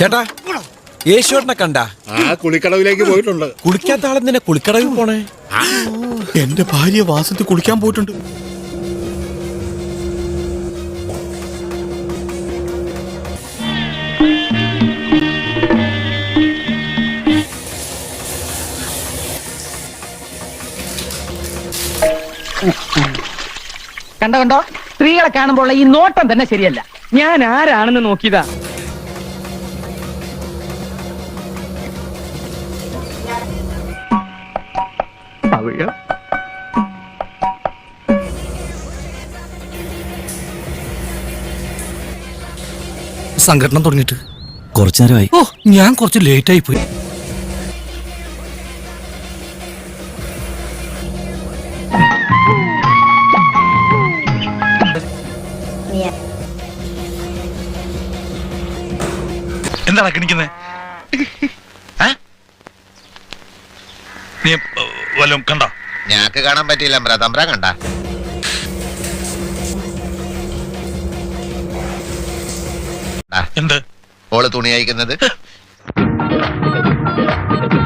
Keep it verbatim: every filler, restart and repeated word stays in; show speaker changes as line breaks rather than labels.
ചേട്ടാ യേശുവേട്ടനെ കണ്ട
ആ കുളിക്കടവിലേക്ക് പോയിട്ടുണ്ട്.
കുളിക്കാത്ത ആളെന്തിനാ കുളിക്കടവിൽ പോണേ?
എന്റെ ഭാര്യ വാസത്തിൽ കുളിക്കാൻ പോയിട്ടുണ്ട്.
കണ്ടോ കണ്ടോ, സ്ത്രീകളെ കാണുമ്പോൾ ഈ നോട്ടം തന്നെ ശരിയല്ല. ഞാൻ ആരാണെന്ന് നോക്കിയതാ.
സംഘടന തുടങ്ങിയിട്ട് കുറച്ചു നേരമായി. ഓ, ഞാൻ കുറച്ച് ലേറ്റ് ആയി പോയി.
എന്താണ് കിണിക്കുന്നത്? നീ വല്ലതും കണ്ടോ?
ഞാക്ക് കാണാൻ പറ്റിയില്ല. തമ്പ്ര കണ്ട?
എന്ത്?
ഓള് തുണി അയക്കുന്നത്